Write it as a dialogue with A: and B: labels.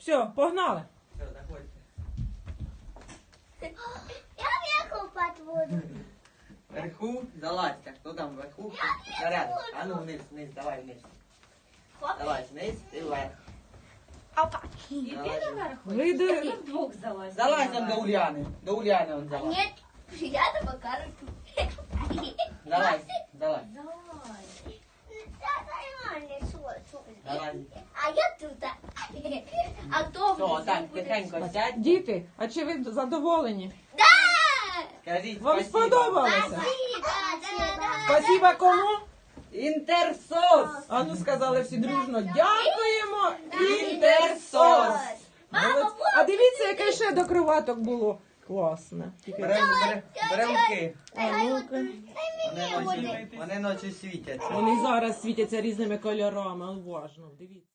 A: Все, погнали.
B: Все, заходьте.
C: Я вверху под воду.
B: Вверху, залазьте. Хто там вверху? Зарядок. А ну вниз, вниз, давай вниз. Давай вниз і вверх.
C: Опа.
D: І ти наверху?
A: Вийди.
D: Ми вдвох залазимо.
B: Залазь он до Уляни. До Уляни он залазь.
C: Нет, я на Макарку.
B: Залазь, залазь.
D: Давай.
B: Залазь.
C: А я тут. А кто
B: Все, так, тихенько сядь.
A: Діти, а чи ви задоволені?
C: Да!
B: Скажіть
A: Вам
B: спасибо.
A: сподобалося?
C: Спасибо.
A: Спасибо кому?
B: Інтерсос.
A: А ну сказали всі дружно. Дякуємо. Інтерсос. Молодці. А дивіться, яке ще до кроваток було. Класне.
B: Беремки.
A: А ну-ка.
B: Вони ночі світяться.
A: Вони зараз світяться різними кольорами. Уважно, дивіться.